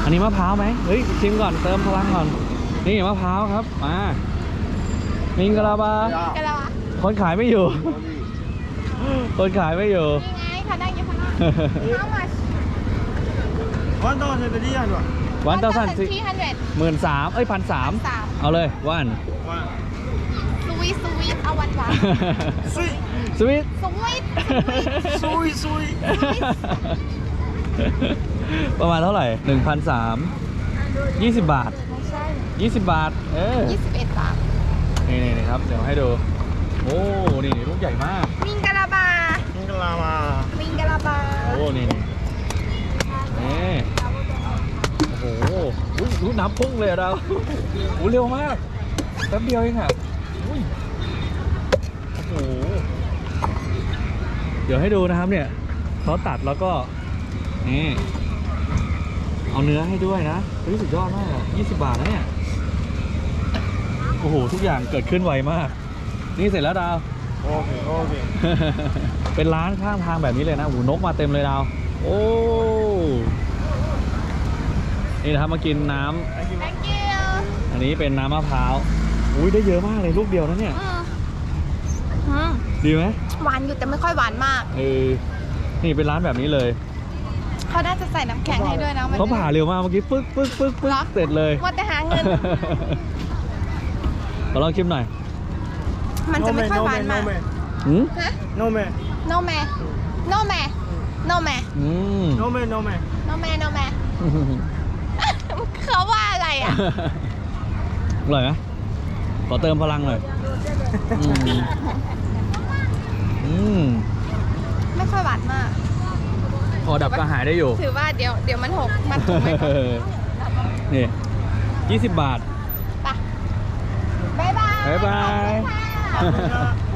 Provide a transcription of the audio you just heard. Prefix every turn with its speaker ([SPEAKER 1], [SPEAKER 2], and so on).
[SPEAKER 1] อันนี้มะพร้าวไหมเฮ้ยชิมก่อนเติมพลังก่อนนี่มะพร้าวครับมามิงกะลาบา
[SPEAKER 2] กะละวะ
[SPEAKER 1] คนขายไม่อยู่ คนขายไม่อยู่
[SPEAKER 2] นี่ไงเขานั่งอยู่ข้างนอก How much
[SPEAKER 1] วันต่อสันสิ
[SPEAKER 2] 1,300
[SPEAKER 1] 13,000เอ้ย1,300เอาเลยวัน
[SPEAKER 2] สวีทเอาหวาน
[SPEAKER 1] สวิต
[SPEAKER 2] สวีท
[SPEAKER 1] ประมาณเท่าไหร่ 1,300 20 บาท
[SPEAKER 2] ไม่ใช่
[SPEAKER 1] 20 บาท
[SPEAKER 2] 21 บาท
[SPEAKER 1] นี่ครับเดี๋ยวให้ดูโอ้นี่ลูกใหญ่มาก
[SPEAKER 2] มิงกะลาบามิงกะลาบา
[SPEAKER 1] โอ้นี่โอ้โหรู้น้ำพุ่งเลยอะเราโอ้เร็วมากแป๊บเดียวเองอะอุ้ยโอ้โหเดี๋ยวให้ดูนะครับเนี่ยเขาตัดแล้วก็นี่เอาเนื้อให้ด้วยนะสุดยอดมาก20 บาทนะเนี่ยโอ้โหทุกอย่างเกิดขึ้นไวมากนี่เสร็จแล้วดาวโอเค เป็นร้านข้างทางแบบนี้เลยนะโอ้โหนกมาเต็มเลยดาวโอ้นี่นะครับมากินน้ำ
[SPEAKER 2] Thank you
[SPEAKER 1] อันนี้เป็นน้ำมะพร้าวอุ้ยได้เยอะมากเลยลูกเดียวนะเนี่ยดีไหม
[SPEAKER 2] หวานอยู่แต่ไม่ค่อยหวานมาก
[SPEAKER 1] นี่เป็นร้านแบบนี้เลย
[SPEAKER 2] เขาน่าจะใส่น้ำแข็งให้ด้วยนะ
[SPEAKER 1] เขาผ่าเร็วมากเมื่อกี้ปึ๊กเสร็จเลย
[SPEAKER 2] ว่าแต่หาเงิน
[SPEAKER 1] ขอลองชิมหน่อย
[SPEAKER 2] มันจะไม่ค่อยหวานมาก
[SPEAKER 1] หืม
[SPEAKER 2] ฮะ
[SPEAKER 3] No man.
[SPEAKER 2] no man no man no man
[SPEAKER 3] No man, no man.
[SPEAKER 2] no man no man เขาว่าอะไรอ่ะ
[SPEAKER 1] อร่อยไหมขอเติมพลังหน่อย
[SPEAKER 2] ไม่ค่อยหวานมาก
[SPEAKER 1] พอดับกระหายได้อยู่
[SPEAKER 2] ถือว่าเดี๋ยวมันหกมันถูกไหม
[SPEAKER 1] นี่20 บาท
[SPEAKER 2] ไปบ๊ายบาย
[SPEAKER 1] บ๊ายบาย
[SPEAKER 2] ขอบคุณค่ะ